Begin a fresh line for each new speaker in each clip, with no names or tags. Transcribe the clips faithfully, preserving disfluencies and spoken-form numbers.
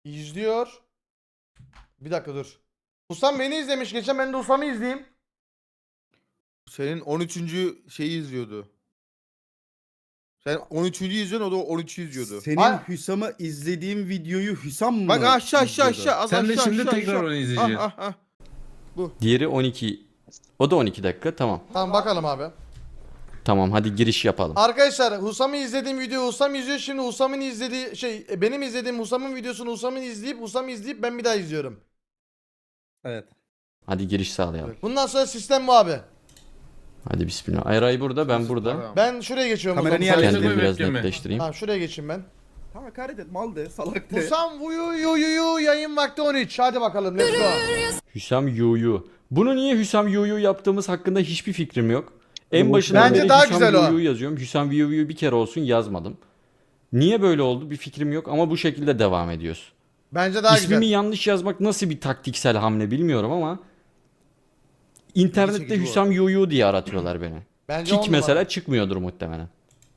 İzliyor. Bir dakika dur. Husam beni izlemiş. Geçen ben de Husam'ı izleyeyim.
Senin on üçüncü şeyi izliyordu. Sen on üçüncü izliyorsun, o da on üçü izliyordu.
Senin
Ay-
Hüsam'ı izlediğim videoyu Hüsam mı?
Bak aşağı aşağı
izliyordu?
aşağı. Az
Sen de
aşağı,
şimdi
aşağı,
tekrar
aşağı.
onu izleyeceksin.
Ah, ah, ah.
Diğeri on iki. O da on iki dakika. Tamam.
Tamam bakalım abi.
Tamam hadi giriş yapalım.
Arkadaşlar Husam'ı izlediğim video Husam izliyor. Şimdi Husam'ın izlediği şey e, benim izlediğim Husam'ın videosunu Husam'ın izleyip Husam izleyip ben bir daha izliyorum.
Evet.
Hadi giriş sağlayalım.
Bundan sonra sistem bu abi.
Hadi bismillah. Ayray burada, ben burada.
Tamam.
Ben şuraya geçiyorum.
Kameranı
Husam.
yerleştir.
Kendimi
Kendimi
biraz
bekleme.
netleştireyim.
Tamam şuraya geçeyim ben.
Tamam hakaret et mal de salak de.
Husam vuyu yu yu yu yayın vakti on üç. Hadi bakalım let's go.
Hüsam Yuyu. Bunu niye Hüsam Yuyu yaptığımız hakkında hiçbir fikrim yok. En
Bu-
başından
Bence
beri
daha
Hüsam
güzel o.
Yuyu yazıyorum. Hüsam Yuyu bir kere olsun yazmadım. Niye böyle oldu bir fikrim yok ama bu şekilde devam ediyoruz.
Bence daha
İsmimi
güzel.
yanlış yazmak nasıl bir taktiksel hamle bilmiyorum ama internette
çekici bu
Hüsam Yuyu diye aratıyorlar beni.
Bence on
Kik
numara.
mesela çıkmıyordur muhtemelen.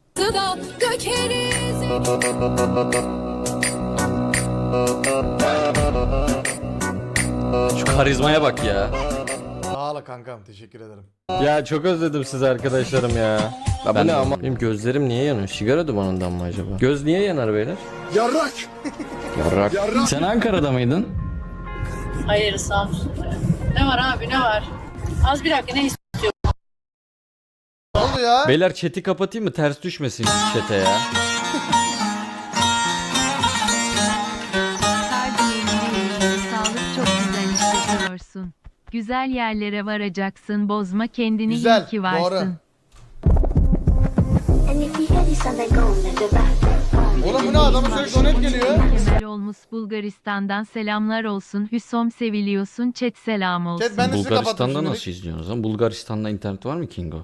Şu karizmaya bak ya.
Sağ ol kankam teşekkür ederim.
Ya çok özledim sizi arkadaşlarım ya. Ya
Ben
bu ne
de
ama?
ama-
Benim gözlerim niye yanıyor? Sigara dumanından mı acaba? Göz niye yanar beyler?
Yarrak.
Yarrak. Sen Ankara'da mıydın?
Hayır Samsun'da. Ne var abi ne var? Az bir dakika ne istiyorsun?
Ne oldu ya?
Beyler chat'i kapatayım mı? Ters düşmesin chat'e ya.
Sağlık çok güzel hissediyorsun. Güzel yerlere varacaksın, bozma kendini,
Güzel,
iyi ki varsın.
doğru. Oğlum bu ne adamın sürekli donet geliyor.
Kemal olmuş Bulgaristan'dan selamlar olsun. Hüsom seviliyorsun, chat selam olsun.
Chat ben de sizi kapattım
Bulgaristan'da
şimdilik.
nasıl izliyorsunuz lan? Bulgaristan'da internet var mı Kingo?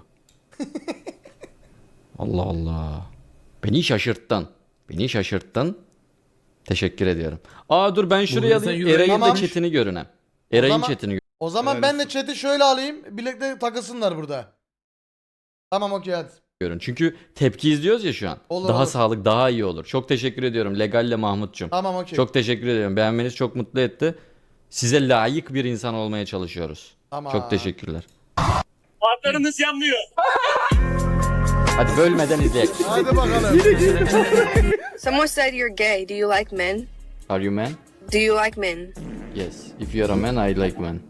Allah Allah. Beni şaşırttın. Beni şaşırttın. Teşekkür ediyorum. Aa dur ben şuraya
Bulgaristan
alayım.
Euro-
Eray'ın
Tamam.
da chatini görünem. Eray'ın
zaman-
chatini gör.
O zaman
Helal
ben de
olsun.
chat'i şöyle alayım. Birlikte takılsınlar burada. Tamam okey hadi.
görün. Çünkü tepki izliyoruz ya şu an.
Olur,
daha
olur.
sağlık, daha iyi olur. Çok teşekkür ediyorum Legalle Mahmut'cum.
Tamam okey.
Çok teşekkür ediyorum. Beğenmeniz çok mutlu etti. Size layık bir insan olmaya çalışıyoruz.
Tamam.
Çok teşekkürler.
Farlarınız yanmıyor.
Hadi bölmeden izleyelim.
Hadi bakalım.
Someone said you're gay. Do you like men?
Are you man?
Do you like men?
Yes. If you're a man, I like men.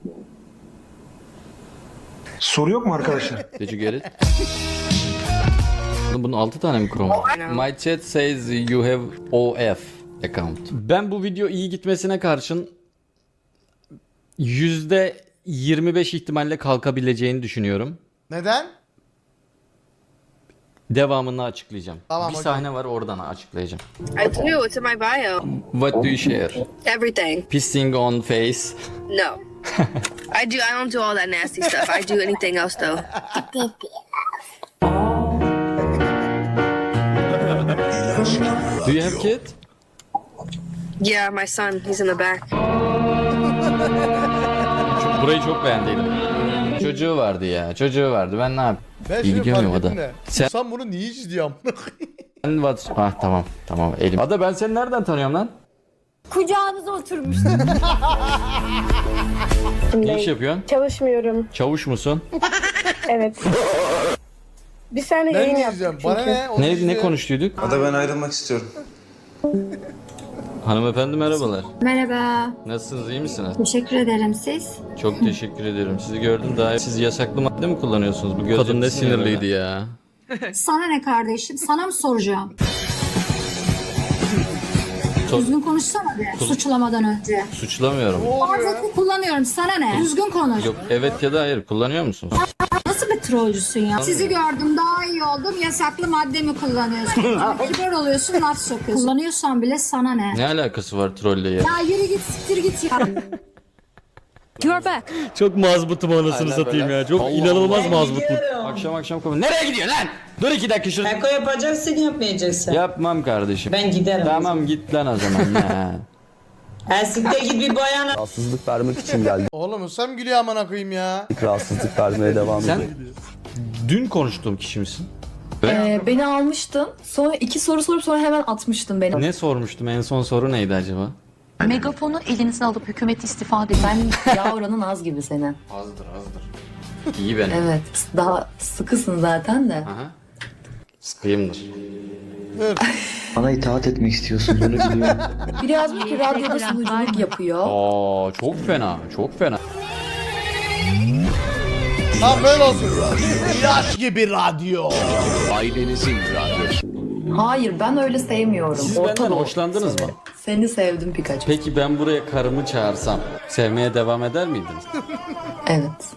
Soru yok mu arkadaşlar?
Did you get it? Oğlum bunun altı tane mi Chrome var? My chat says you have O F account. Ben bu video iyi gitmesine karşın yüzde yirmi beş ihtimalle kalkabileceğini düşünüyorum.
Neden?
Devamını açıklayacağım.
Tamam,
bir
okey.
sahne var oradan açıklayacağım.
I do. It's in my bio.
What do you share?
Everything.
Pissing on face.
No. I do. I don't do all that nasty stuff. I do anything else though.
Do you have kid?
Yeah, my son. He's in the back.
Çok, burayı çok beğendiydim. Çocuğu vardı ya. Çocuğu vardı. Ben ne yapayım?
Ben
İyi
şimdi
gidiyor
fark
muyum
ettim
Ada?
de.
Sen-
Sen bunu niye izliyor amına koyayım?
Sen what? Ah tamam. Tamam elim. Ada ben seni nereden tanıyorum lan?
Kucağınıza oturmuştum.
Ne iş yapıyorsun?
Çalışmıyorum.
Çavuş musun?
Evet. Bir sene
Ben
yayın
mi
yaptık
izliyorum?
çünkü.
Bana ne? Onu
Ne ne
izliyorum.
konuştuyduk?
Ada ben ayrılmak istiyorum.
Hanımefendi merhabalar.
Merhaba.
Nasılsınız? İyi misiniz?
Teşekkür ederim siz.
Çok teşekkür ediyorum. Sizi gördüm daha. Siz yasaklı madde mi kullanıyorsunuz? Bu kadın ne sinirliydi ya.
Sana ne kardeşim? Sana mı soracağım?
Sor-
Düzgün konuşsana be. Suçlamadan önce.
Suçlamıyorum.
Bazen kullanıyorum. Sana ne? Düzgün konuş.
Yok evet ya da hayır. Kullanıyor musunuz?
Nasıl bir trollcüsün ya? Sizi gördüm daha iyi oldum. Yasaklı madde mi kullanıyorsun? Kibar oluyorsun laf sokuyorsun. Kullanıyorsan bile sana ne?
Ne alakası var trolle ya?
Ya yürü git siktir git ya. You're back.
Çok mazbutum anasını satayım ya. Çok inanılmaz mazbutluk.
gidiyorum.
Akşam akşam konu. Nereye gidiyorsun lan? Dur iki dakika şurada.
Eko yapacaksın yapmayacaksın.
Yapmam kardeşim.
Ben giderim.
Tamam git lan o zaman ya.
Elsikte git bir bayana.
Rahatsızlık vermek için geldik.
Oğlum Hüsam gülüyor amına koyayım ya.
Rahatsızlık vermeye devam
Sen
ediyoruz.
dün konuştuğum kişi misin?
Ee, beni almıştın. Sonra iki soru sorup sonra hemen atmıştın beni.
Ne sormuştum? En son soru neydi acaba?
Megafonu elinize alıp hükümet istifa edin. Ben yağ oranın az gibi senin.
Azdır azdır. İyi benim.
Evet. Daha sıkısın zaten de.
Aha. Sıkıyımdır.
Bana itaat etmek istiyorsun bunu biliyorum.
Biri yazmış ki radyoda sunuculuk yapıyor.
Aa çok fena. Çok fena.
Lan böyle olsun. Yaş gibi radyo.
Hayır ben öyle sevmiyorum.
Siz
Orta
benden
Doğu
hoşlandınız mı?
Seni sevdim Pikachu.
Peki ben buraya karımı çağırsam sevmeye devam eder miydiniz?
Evet.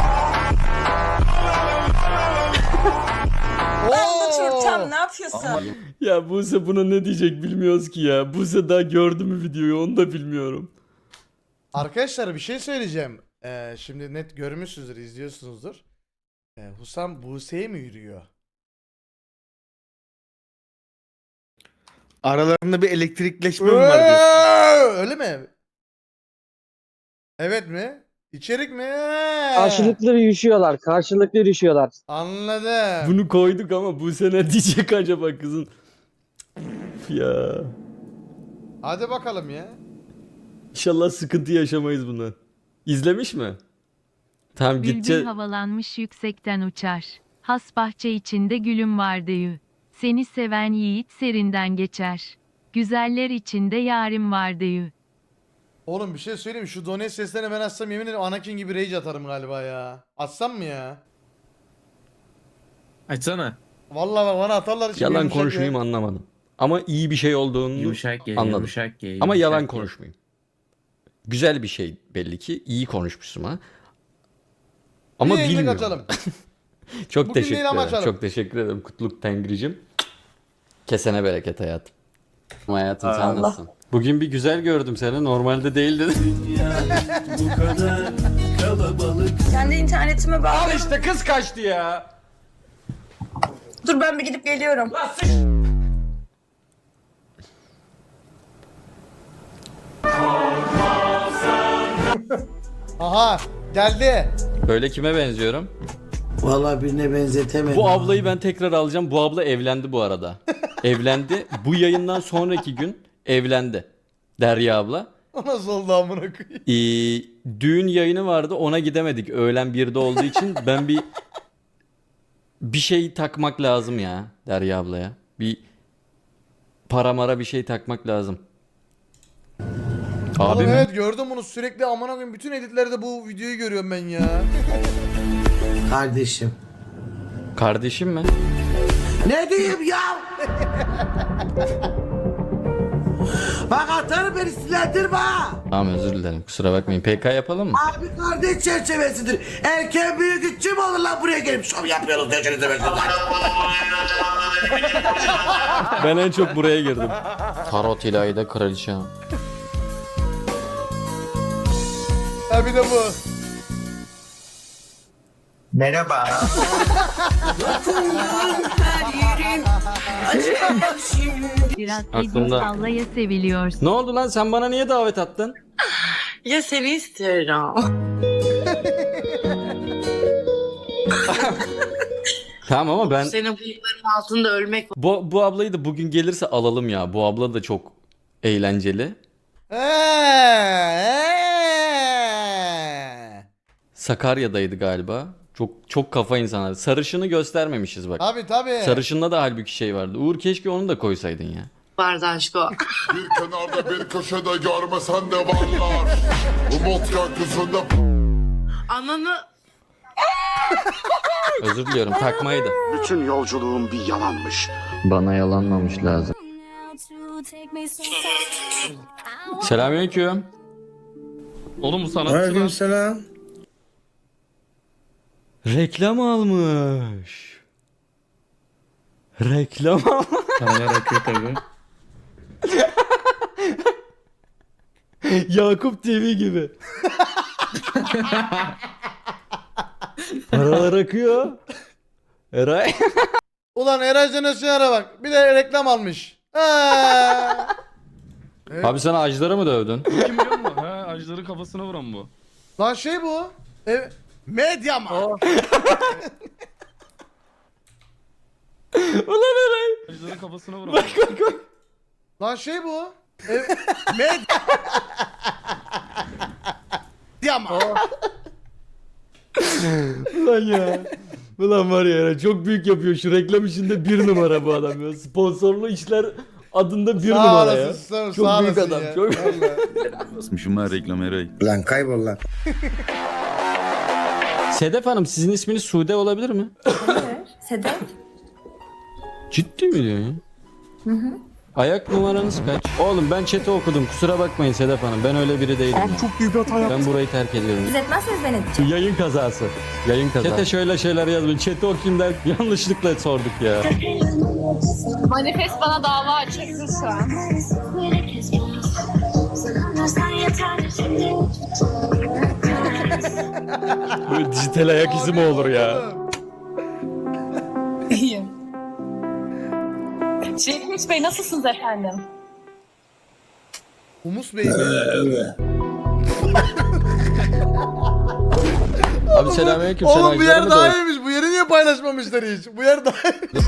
Oo.
Ne yapıyorsun?
Ya Buse buna ne diyecek bilmiyoruz ki ya. Buse daha gördü mü videoyu onu da bilmiyorum.
Arkadaşlar bir şey söyleyeceğim. Ee, şimdi net görmüşsünüzdür, izliyorsunuzdur. Ee, Husam Buse'ye mi yürüyor?
Aralarında bir elektrikleşme mi var diyorsun?
Ee, Öyle mi? Evet mi? İçerik mi?
Karşılıklı yürüyüşüyorlar. Karşılıklı yürüyüşüyorlar.
Anladım.
Bunu koyduk ama Buse ne diyecek acaba kızın? Üf ya.
Hadi bakalım ya.
İnşallah sıkıntı yaşamayız bundan. İzlemiş mi? Tamam
Bülbül
gideceğiz.
havalanmış yüksekten uçar. Has bahçe içinde gülüm vardı yü. Seni seven yiğit serinden geçer. Güzeller içinde yarim vardı yü.
Oğlum bir şey söyleyeyim mi? Şu donate seslerini ben açsam yemin ederim Anakin gibi rage atarım galiba ya. Açsam mı ya?
Açsana.
Vallahi bak bana atarlar. şimdi
Yalan
yumuşak
konuşmayayım
ya.
anlamadım. Ama iyi bir şey olduğunu
Yumuşak geliyor.
anladım.
Yumuşak geliyor.
Ama
yumuşak
yalan
geliyor.
konuşmayayım. Güzel bir şey belli ki. İyi konuşmuşsun ha. Ama
Bir yayınlık
bilmiyorum.
açalım.
Çok
Bugün
teşekkür
değil ama
ederim.
açalım.
Çok teşekkür ederim Kutluk Tengricim. Kesene bereket hayatım. Hayatım sen
Allah.
nasılsın? Bugün bir güzel gördüm seni. Normalde değildi.
Kendi internetime bak.
Al işte kız kaçtı ya.
Dur ben bir gidip geliyorum.
Aha geldi.
Öyle kime benziyorum?
Vallahi birine benzetemedim.
Bu ablayı ben tekrar alacağım. Bu abla evlendi bu arada. Evlendi. Bu yayından sonraki gün evlendi. Derya abla.
O nasıl oldu amına koyayım?
Ee, düğün yayını vardı. Ona gidemedik. Öğlen birde olduğu için ben bir bir şey takmak lazım ya Derya ablaya. Bir para mara bir şey takmak lazım. Abi
Oğlum
mi?
evet gördüm bunu sürekli amına koyayım. Bütün editlerde bu videoyu görüyorum ben ya.
Kardeşim.
Kardeşim mi?
Ne diyeyim ya? Bak atarım beni sinirlendirme.
Tamam özür dilerim. Kusura bakmayın. P K yapalım mı?
Abi kardeş çerçevesidir. Erken büyük üçü mü olur lan buraya gelip şov yapıyoruz diyorsunuz versinler.
Ben en çok buraya girdim. Tarot ilahide kraliçe.
Ha bir de bu.
Merhaba.
Biraz
Aklımda.
Edip sallaya seviliyorsun.
Ne oldu lan sen bana niye davet attın?
Ya seni istiyorum.
Tamam ama ben
Senin bıyıkların altında ölmek
bu, bu ablayı da bugün gelirse alalım ya. Bu abla da çok eğlenceli.
Eee.
Sakarya'daydı galiba. Çok çok kafa insanlar. Sarışını göstermemişiz bak.
Tabi tabi.
Sarışında da halbuki şey vardı. Uğur keşke onu da koysaydın ya.
vardı aşko.
Bir kenarda bir köşede görmesen de varlar. Umut gökyüzünde.
Ananı
Özür diliyorum takmaydı.
Bütün yolculuğum bir yalanmış.
Bana yalanmamış lazım. Selamünaleyküm.
Oğlum bu sanatçı lan.
Aleykümselam.
Reklam almış. Reklam almış.
Paralar akıyor tabii.
Yakup T V gibi. Paralar akıyor. Eray.
Ulan Eray Jenerasyon'a bak. Bir de reklam almış. Eee.
Abi sen ağaçlara mı dövdün?
Kim biliyor musun? He ağaçların kafasına vuran bu.
Lan şey bu. E, medya mı?
Ulan Eray.
Ajları kafasına vuran.
Bak bak bak.
Lan şey bu. Ev... Med... Diyama.
Ulan ya. Ulan var ya Eray, çok büyük yapıyor. Şu reklam işinde bir numara bu adam ya. Sponsorlu işler adında bir
Sağ
numara
olasın,
ya.
sağ-
Çok
sağ
büyük
olasın
adam.
ya.
Çok
Basmışım ha reklam Eray.
Lan kaybol lan.
Sedef Hanım, sizin isminiz Sude olabilir mi?
Sedef.
Ciddi mi diyorsun ya? Hı hı. Ayak numaranız kaç? Oğlum ben chat'i okudum. Kusura bakmayın Sedef Hanım. Ben öyle biri değilim. Abi çok büyük hata yaptım. Ben burayı terk ediyorum.
Siz etmezseniz ben edeceğim.
Şu yayın kazası. Yayın kazası. Chat'e şöyle şeyler yazmayın. Chat'i okuyayım der. Yanlışlıkla sorduk ya.
Manifest bana dava açacaksın şu an.
Böyle dijital ayak izi mi olur ya?
İyiyim. Şevket Bey nasılsınız efendim?
Humus Bey mi?
Abi selamünaleyküm. Sen
Oğlum bu
Ajdar'ı
yer
mı
daha
döv-
iyiymiş. Bu yeri niye paylaşmamışlar hiç? Bu yer daha iyiymiş.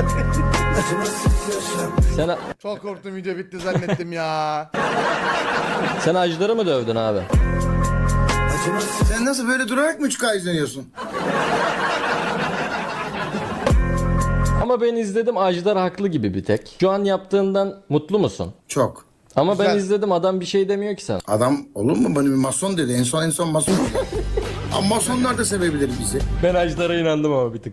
Sen,
Çok korktum, video bitti zannettim ya.
sen Ajdar'ı mı dövdün abi?
Sen nasıl böyle durarak mı üç K izleniyorsun?
Ama ben izledim, Ajdar haklı gibi bir tek. Şu an yaptığından mutlu musun?
Çok.
Ama ben
Güzel.
izledim, adam bir şey demiyor ki sana.
Adam olur mu bana bir mason dedi. En son en son mason dedi. Ama masonlar da sevebilir bizi.
Ben Ajdar'a inandım ama bir tık.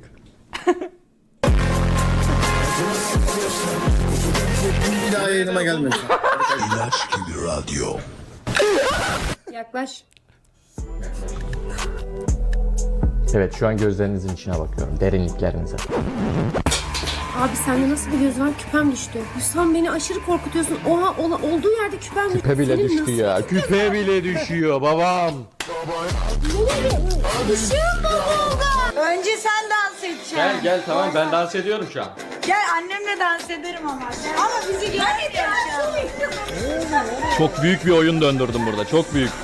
Bir daha yayınıma gelmiyorsun.
Yaklaş.
Evet, şu an gözlerinizin içine bakıyorum. Derinliklerinize.
Abi sende nasıl bir göz var? Küpem düştü. Hüsam beni aşırı korkutuyorsun. Oha ola, olduğu yerde küpem düştü.
Küpe bile
Senin
düştü
nasıl-
ya.
Küpe bile düşüyor babam.
Önce sen dans edeceksin.
Gel gel tamam, ben dans ediyorum şu an.
Gel annemle dans ederim ama. Ama bizi görmeyeceksin.
Çok büyük bir oyun döndürdüm burada. Çok büyük.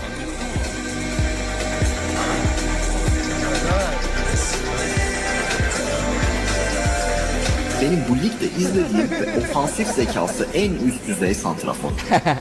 Benim bu ligde izlediğim ve ofansif zekası en üst düzey santrafor.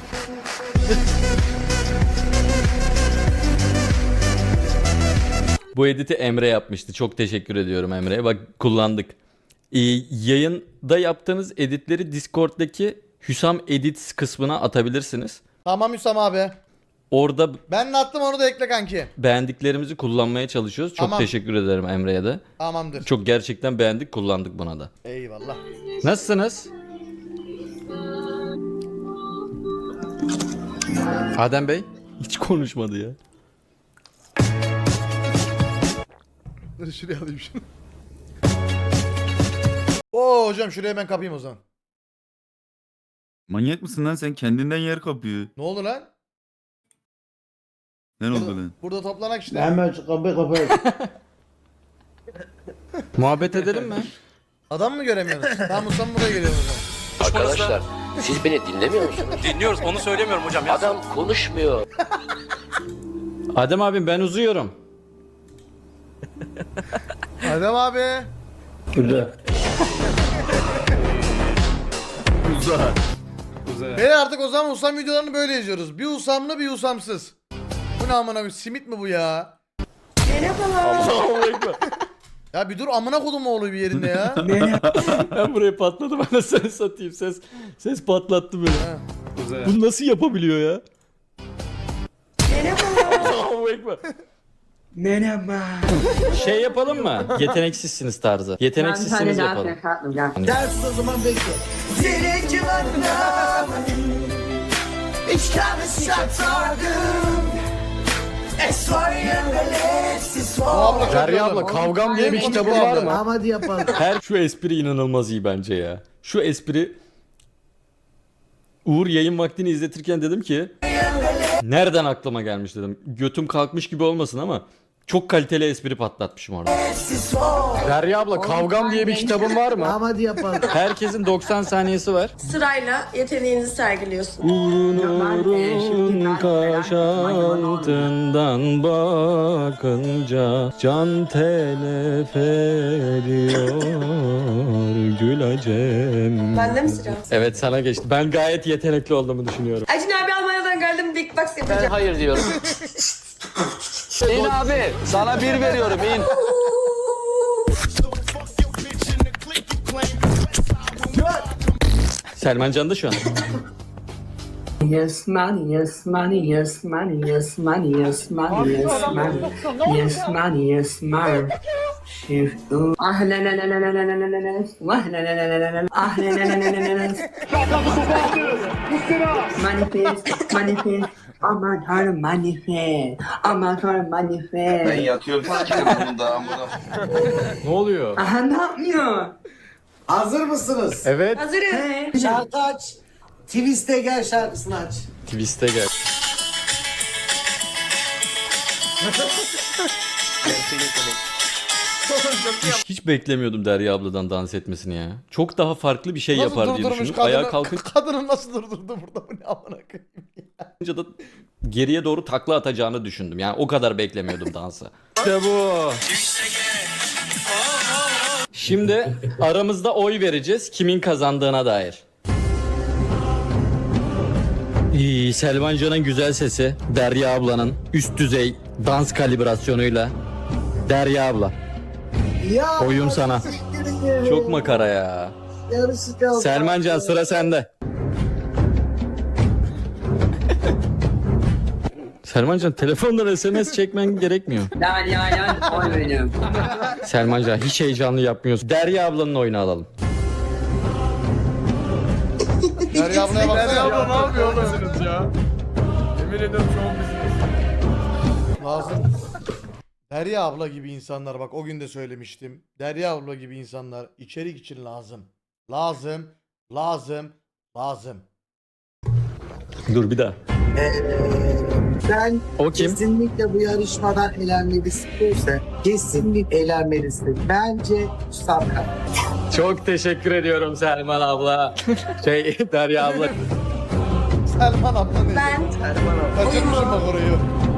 Bu editi Emre yapmıştı. Çok teşekkür ediyorum Emre'ye. Bak kullandık. Ee, yayında yaptığınız editleri Discord'daki Hüsam Edits kısmına atabilirsiniz.
Tamam Hüsam abi.
Orada
Ben de attım, onu da ekle kanki.
beğendiklerimizi kullanmaya çalışıyoruz. Çok
Tamam.
teşekkür ederim Emre'ye de.
Tamamdır.
Çok gerçekten beğendik, kullandık buna da.
Eyvallah.
Nasılsınız? Adem Bey hiç konuşmadı ya.
Dur şuraya alayım şunu. Oo hocam, şuraya ben kapayım o zaman.
Manyak mısın lan sen? Kendinden yer kapıyor.
Ne oldu lan?
Ne
Burada,
oldu lan?
burada toplanak işte.
Hemen şu kapıyı kapıyı.
Muhabbet edelim mi?
Adam mı göremiyorsunuz? Tamam, Hüsam buraya geliyor o zaman.
Arkadaşlar siz beni dinlemiyor musunuz?
Dinliyoruz, onu söylemiyorum hocam ya.
Adam konuşmuyor.
Adem abim ben uzuyorum.
Adem abi.
Uza.
Beyler artık o zaman Hüsam videolarını böyle izliyoruz. Bir Hüsamlı bir Hüsamsız. Bu ne amına koyayım, simit mi bu ya? Ya bir dur, amına kodum oğlu bir yerinde ya.
Ben buraya patladım, anasını satayım. Ses ses patlattı böyle.
Ha.
Bunu nasıl yapabiliyor ya? Merhaba. Şey yapalım mı? Yeteneksizsiniz tarzı. Yeteneksizsiniz yapalım.
Ders o zaman bekle. Senin civarında
Abla,
Derya abla, Kavgam diye bir kitabın var mı?
Ama hadi yapalım.
Her şu espri inanılmaz iyi bence ya. Şu espri, Uğur yayın vaktini izletirken dedim ki nereden aklıma gelmiş dedim. Götüm kalkmış gibi olmasın ama Çok kaliteli espri patlatmışım orada.
Derya abla Kavgam diye bir kitabın var mı?
Tamam hadi yapalım.
Herkesin doksan saniyesi var.
Sırayla yeteneğinizi sergiliyorsun.
Uğrun kaş altından bakınca can telef ediyor gülacem.
Bende mi sıra?
Evet sana geçti. Ben gayet yetenekli olduğumu düşünüyorum.
Acun abi Almanya'dan geldim. Big Box yapacağım.
Hayır diyorum. İn abi. Sana bir veriyorum in.
Selman Can da şu an.
Yes money, yes money, yes money, yes money, yes money, yes money, yes money, yes money. If you ah la la la la la la la la la ah la la la la la la ah la la la la la la manifest, manifest, aman tanrım manifest, aman tanrım manifest.
Ben yatıyorum sikerim da amına.
Ne oluyor?
Aha ne yapmıyor? Hazır mısınız?
Evet.
Hazırız.
Şarkı aç. Twist'e gel şarkısını aç.
Twist'e gel.
Hiç, hiç beklemiyordum Derya abladan dans etmesini ya. Çok daha farklı bir şey
Nasıl
yapar diye
durdurmuş
düşündüm.
kadını?
Ayağa kalkınca
Kadını nasıl durdurdu burada, bu ne amına koyayım.
da geriye doğru takla atacağını düşündüm. Yani o kadar beklemiyordum dansı.
İşte bu.
Şimdi aramızda oy vereceğiz kimin kazandığına dair. İyi, Selman Can'ın güzel sesi, Derya ablanın üst düzey dans kalibrasyonuyla. Derya abla,
Ya
oyum sana. Çok makara ya.
yarışacağız.
Selman Can sıra sende. Selman Can telefondan S M S çekmen gerekmiyor.
Derya'ya oy veriyorum.
Selman Can hiç heyecanlı yapmıyorsun. Derya ablanın oyunu alalım.
Derya ablaya baksana.
Derya abla ne yapıyor oğlum? Ya. Yemin ediyorum şu an bizim.
Lazım. Derya abla gibi insanlar, bak o gün de söylemiştim. Derya abla gibi insanlar içerik için lazım. Lazım, lazım, lazım.
Dur bir daha.
Ben
O kim?
kesinlikle bu yarışmadan elenmelisin derse kesinlikle elenmelisin. Bence Sarkan.
Çok teşekkür ediyorum Selman abla. Şey Derya abla.
Selman abla ne?
Ben
Kaçırmışım bak orayı.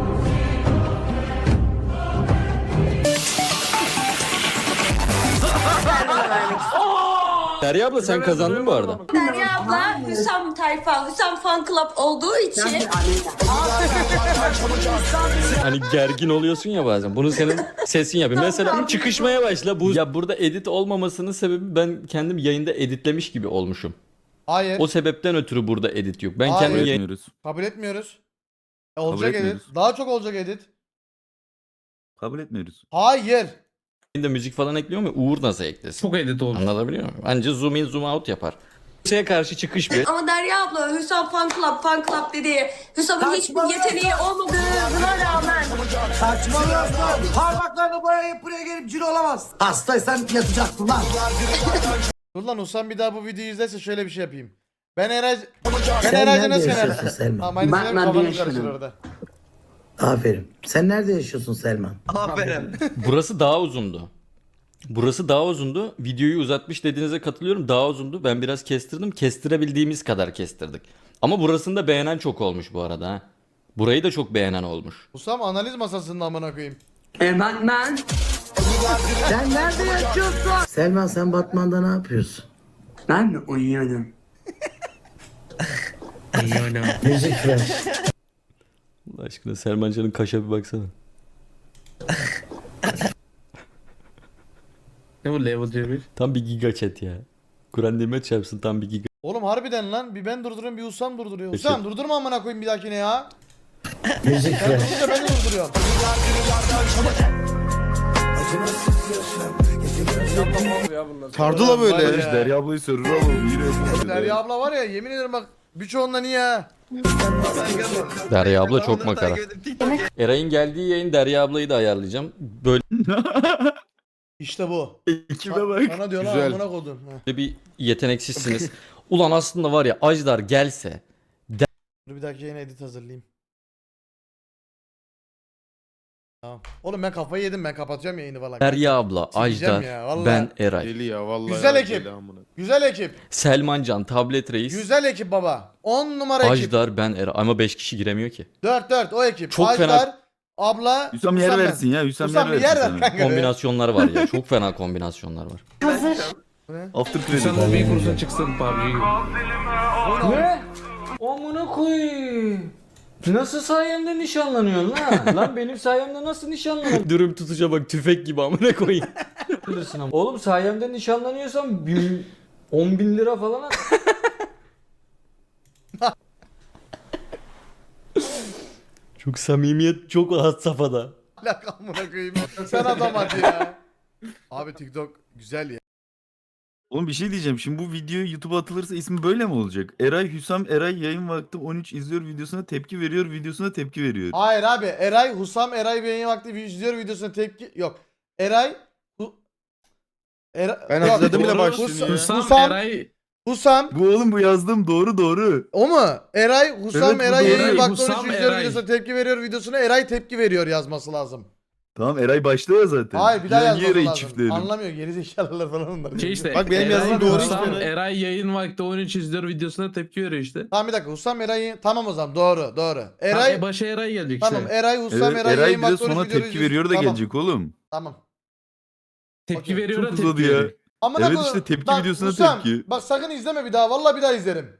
Derya abla sen kazandın bu arada.
Derya abla Hüsam tayfa, Hüsam fan club olduğu için
Hani gergin oluyorsun ya bazen. Bunu senin sesin yapıyor. Mesela çıkışmaya başla. Bu ya burada edit olmamasının sebebi ben kendim yayında editlemiş gibi olmuşum.
Hayır.
O sebepten ötürü burada edit yok. Ben
Hayır.
kendim yayın
Etmiyoruz.
Kabul etmiyoruz. E, olacak edit.
etmiyoruz.
Daha çok olacak edit.
Kabul etmiyoruz.
Hayır.
yayında müzik falan ekliyorum ya Uğur nasıl eklesin?
Çok edit oldu.
Anlatabiliyor muyum? Anca zoom in zoom out yapar. Şeye karşı çıkış bir.
ama Derya abla Hüsam fan club, fan club dedi. Hüsam'ın hiçbir yeteneği olmadığına rağmen
Saçmalıyorsun. Parmaklarını boyayıp buraya gelip cin olamaz. Hastaysan yatacaksın lan.
Dur lan, Usam bir daha bu videoyu izlerse şöyle bir şey yapayım. Ben Eray... Ben Eray'ca nasıl
yaşıyorsun
yener?
Selman?
Tamam, aynı
Ben-
senin
ben
kafanı
bir
karıştır
yaşıyorum.
orada.
Aferin. Sen nerede yaşıyorsun Selman?
Burası daha uzundu. Burası daha uzundu. Videoyu uzatmış dediğinize katılıyorum. Daha uzundu. Ben biraz kestirdim. Kestirebildiğimiz kadar kestirdik. Ama burasını da beğenen çok olmuş bu arada. Ha. Burayı da çok beğenen olmuş.
Usam analiz masasında amına koyayım.
Hemen ben. Sen nerede yaşıyorsun? Selman sen Batman'da ne yapıyorsun? Ben mi uyuyorum? Uyuyorum. Müzik ver.
Allah aşkına Selman Can'ın kaşa bir baksana.
Ne bu level C bir?
Tam bir giga chat ya. Kur'an nimet çarpsın tam bir giga.
Oğlum harbiden lan, bir ben durduruyorum bir Usam durduruyor. Usam durdurma amına koyayım bir dahakine ya.
Müzik
Sen
ver.
durdurunca ben de durduruyorum.
Sardı la böyle.
Var ya.
Derya ablayı sürür oğlum. Yine
Derya abla var ya, yemin ederim bak birçoğunda niye ha?
Derya abla çok makara. Eray'ın geldiği yayın Derya ablayı da ayarlayacağım. Böyle
İşte bu.
Ekibe bak.
Sana diyor lan
Güzel.
amına koydum. Heh.
bir yeteneksizsiniz. Ulan aslında var ya Ajdar gelse
Dur bir dahaki yayına edit hazırlayayım. Tamam. Oğlum ben kafayı yedim, ben kapatacağım yayını falan.
Derya abla,
Sileceğim
Ajdar,
ya, vallahi.
ben Eray.
Deli ya vallahi.
Güzel
ya,
ekip.
deli amına.
Güzel ekip.
Selmancan, Tablet Reis.
Güzel ekip baba. on numara ekip.
Ajdar, ben Eray. Ama beş kişi giremiyor ki.
dört dört o ekip.
Çok
Ajdar,
fena-
abla.
Hüsam yer
ben.
versin ya. Hüsam,
Hüsam
yer
bir yer
versin
ver
sana.
kanka.
Kombinasyonlar var ya. Çok fena kombinasyonlar var.
Hazır.
After credit.
bir kursun çıksın P U B G'yi. Ne? Amına koyayım. Nasıl sayemde nişanlanıyorsun lan? Lan benim sayemde nasıl nişanlanıyorsun?
Dürüm tutuşa bak, tüfek gibi amına koyayım.
Bilirsin ama. Oğlum sayemde nişanlanıyorsan bin, on bin lira falan at.
Çok samimiyet çok had safhada.
Lak amına koyayım. Sen adam hadi ya. Abi TikTok güzel ya.
Oğlum bir şey diyeceğim. Şimdi bu video YouTube'a atılırsa ismi böyle mi olacak? Eray Hüsam Eray yayın vakti on üç izliyor videosuna tepki veriyor videosuna tepki veriyor.
Hayır abi. Eray, Husam, Eray beğeni vakti izliyor videosuna tepki yok. Eray Hu... Eray...
Ben
yok,
hatırladım bile
Hus-
başlığını
Husam,
ya.
Husam, Husam,
Bu oğlum bu yazdığım doğru doğru.
o mu? Eray, Husam,
Evet, bu
Eray
doğru.
yayın vakti
Husam,
on üç izliyor
Eray.
videosuna tepki veriyor videosuna Eray tepki veriyor yazması lazım.
Tamam Eray başta ya zaten.
Hayır bir daha
Ya niye
yazması
Eray'ı
lazım.
çiftleyelim?
Anlamıyor gerizekalılar falan onlar.
Şey işte.
Bak benim yazdığım
Eray,
doğru
Hüsam,
işte.
Eray yayın vakti on üç izliyor videosuna tepki veriyor işte.
Tamam bir dakika Husam Eray'ı tamam o zaman doğru doğru.
Eray,
Eray
başa Eray gelecek
tamam
işte.
Eray Husam
Evet,
Eray,
Eray
yayın
bir de
vakti on üç
sonra
video
tepki
videosu-
veriyor da
tamam,
gelecek oğlum.
Tamam.
Tepki
Okey.
veriyor da
Çok
tepki
uzadı ya.
veriyor.
Amına
Evet
koyayım.
işte tepki
Bak,
videosuna
Husam,
tepki.
Bak sakın izleme bir daha. Vallahi bir daha izlerim.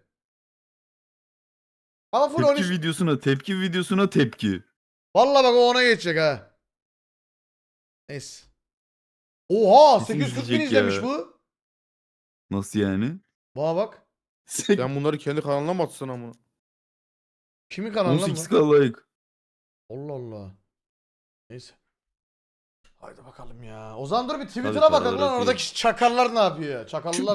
Ama full on
Tepki
üç.
videosuna tepki videosuna tepki.
Vallahi bak o ona geçecek ha. Neyse. Oha
Kesin
sekiz yüz kırk bin
izleyecek
izlemiş
ya.
bu.
Nasıl yani?
Bana bak.
Sen bunları kendi kanalına mı atsın amına?
Kimin kanalına mı?
on sekiz K like.
Allah Allah. Neyse. Haydi bakalım ya. O zaman dur bir Twitter'a
Hadi
bakalım
paraları
lan
atayım.
oradaki çakallar ne yapıyor? Çakallar